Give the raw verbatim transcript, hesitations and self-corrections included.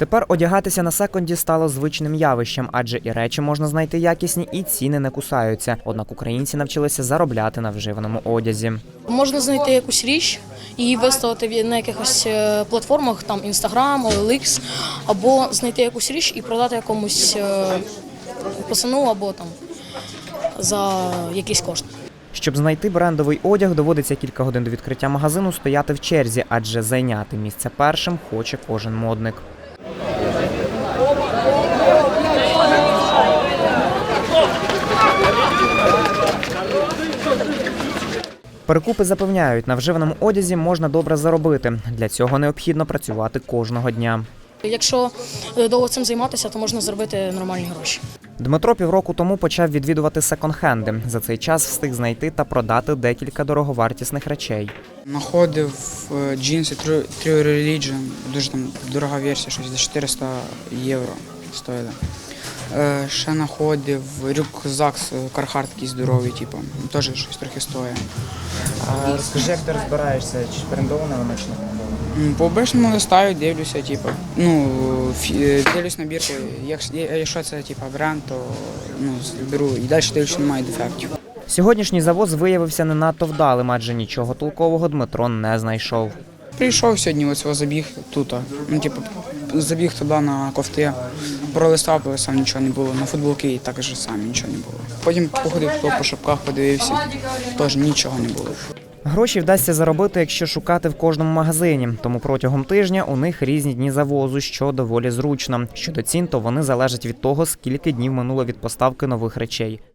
Тепер одягатися на секонді стало звичним явищем, адже і речі можна знайти якісні, і ціни не кусаються. Однак українці навчилися заробляти на вживаному одязі. Можна знайти якусь річ і виставити на якихось платформах, там Instagram, о ел ікс, або знайти якусь річ і продати якомусь пацану або там за якийсь кошт. Щоб знайти брендовий одяг, доводиться кілька годин до відкриття магазину стояти в черзі, адже зайняти місце першим хоче кожен модник. Перекупи запевняють, на вживаному одязі можна добре заробити. Для цього необхідно працювати кожного дня. Якщо довго цим займатися, то можна заробити нормальні гроші. Дмитро півроку тому почав відвідувати секонд-хенди. За цей час встиг знайти та продати декілька дороговартісних речей. Находив джинси True Religion, дуже там дорога версія, щось за чотириста євро стоїла. Ще знаходив рюкзак Carhartt такий здоровий, типу, теж щось трохи стоїть. А розкажи, як ти розбираєшся, чи брендовано воно, чи не брендовано? По обичному листаю, дивлюся, типу, ну, дивлюсь набірку, якщо це типу, бренд, то ну, беру і далі дивлюся, немає дефектів. Сьогоднішній завоз виявився не надто вдалим, адже нічого толкового Дмитро не знайшов. Прийшов сьогодні, ось його забіг тут, ну, типу, забіг туди на кофти, пролистав, пролистав, нічого не було, на футболки і так же самі нічого не було. Потім походив по шапках, подивився, теж нічого не було. Гроші вдасться заробити, якщо шукати в кожному магазині. Тому протягом тижня у них різні дні завозу, що доволі зручно. Щодо цін, то вони залежать від того, скільки днів минуло від поставки нових речей.